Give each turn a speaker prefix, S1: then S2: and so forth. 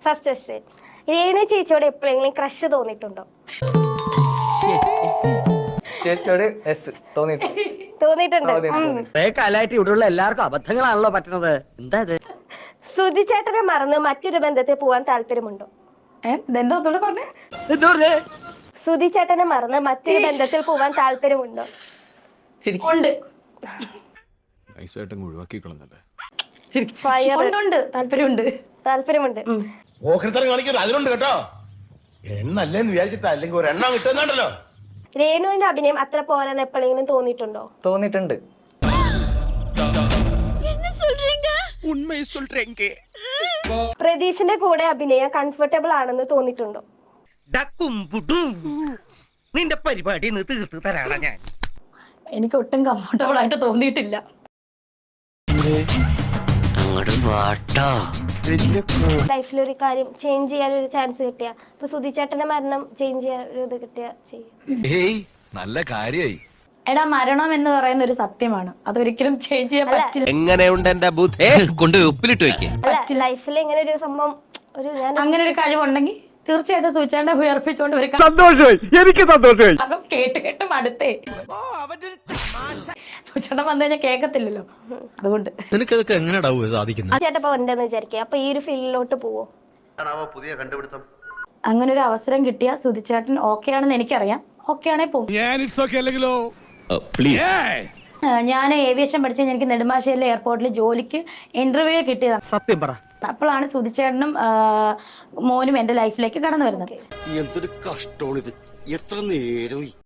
S1: First question, Renu ചേച്ചിയോട് എപ്പോഴെങ്കിലും crush തോന്നിയിട്ടുണ്ടോ?
S2: ചേച്ചിയോട് എസ്
S1: തോന്നിയിട്ടുണ്ട്.
S3: കാലായിട്ട് ഇവിടെയുള്ള എല്ലാവർക്കും അബദ്ധങ്ങളാണല്ലോ പറ്റുന്നത്. എന്താ ഇത്?
S1: സുധി ചേട്ടനെ മറന്ന് മറ്റൊരു ബന്ധത്തിൽ പോവാൻ താല്പര്യമുണ്ടോ? സുധി ചേട്ടനെ മറന്ന് മറ്റൊരു ബന്ധത്തിൽ പോവാൻ താല്പര്യമുണ്ടോ? താല്പര്യമുണ്ട്.
S4: അതിലുണ്ട് കേട്ടോ. എണ്ണല്ലേന്ന് വിചാരിച്ചിട്ടാ, അല്ലെങ്കിൽ ഒരു എണ്ണം കിട്ടുന്നുണ്ടല്ലോ.
S1: രേണുവിന്റെ അഭിനയം അത്ര പോരാന്ന് എപ്പോഴെങ്കിലും തോന്നിയിട്ടുണ്ടോ?
S2: തോന്നിയിട്ടുണ്ട്.
S1: പ്രതീഷിന്റെ കൂടെ അഭിനയം കംഫർട്ടബിൾ ആണെന്ന് തോന്നിയിട്ടുണ്ടോ?
S3: നിന്റെ പരിപാടി തീർത്ത് തരാടാ ഞാൻ.
S5: എനിക്ക് ഒട്ടും കംഫർട്ടബിൾ ആയിട്ട് തോന്നിയിട്ടില്ല.
S1: ലൈഫിൽ ഒരു കാര്യം ചേഞ്ച് ചെയ്യാൻ ഒരു ചാൻസ് കിട്ടിയ, ഇപ്പൊ സുധി ചേട്ടന്റെ മരണം ചേഞ്ച് ചെയ്യാൻ ഒരു ഇത് കിട്ടിയ ചെയ്യും.
S6: നല്ല കാര്യായി.
S5: എടാ, മരണം എന്ന് പറയുന്ന ഒരു സത്യമാണ്, അതൊരിക്കലും ചേഞ്ച് ചെയ്യാൻ പറ്റില്ല.
S6: എങ്ങനെയുണ്ട് എന്റെ ബുദ്ധി? കൊണ്ടുപോയി ഉപ്പിലിട്ട് വെക്കേ.
S1: അല്ല, ലൈഫിൽ ഇങ്ങനെ ഒരു സംഭവം, ഒരു
S5: അങ്ങനെ ഒരു കഴിവുണ്ടെങ്കിൽ തീർച്ചയായിട്ടും സൂചിച്ചാണ്ട് ഉയർപ്പിച്ചോണ്ട് ഒരു
S3: എനിക്ക് സന്തോഷമായി.
S5: അപ്പം കേട്ട് മടുത്തേ. സൂചിച്ചാണ്ട വന്നു കഴിഞ്ഞാൽ കേക്കത്തില്ലല്ലോ, അതുകൊണ്ട്.
S6: നിനക്കതൊക്കെ എങ്ങനെയാ സാധിക്കുന്നത്?
S1: ചേട്ടൻ ഇപ്പൊ ഉണ്ടെന്ന് വിചാരിക്കുക, അപ്പൊ ഈ ഒരു ഫീൽഡിലോട്ട് പോവോ?
S4: പുതിയ കണ്ടുപിടുത്തം.
S5: അങ്ങനെ ഒരു അവസരം കിട്ടിയ സുധിച്ചേട്ടൻ ഓക്കെ ആണെന്ന് എനിക്കറിയാം. ഓക്കെ ആണേ പോകും. ഞാൻ ഏവിയേഷൻ പഠിച്ച എനിക്ക് നെടുമ്പാശ്ശേരിയിലെ എയർപോർട്ടിൽ ജോലിക്ക് ഇന്റർവ്യൂ കിട്ടിയതാണ്.
S3: സത്യം പറ.
S5: അപ്പോഴാണ് സുധിച്ചേട്ടനും മോനും എന്റെ ലൈഫിലേക്ക് കടന്നു വരുന്നത്.
S7: എന്തൊരു കഷ്ടമാണിത്, എത്ര നേരം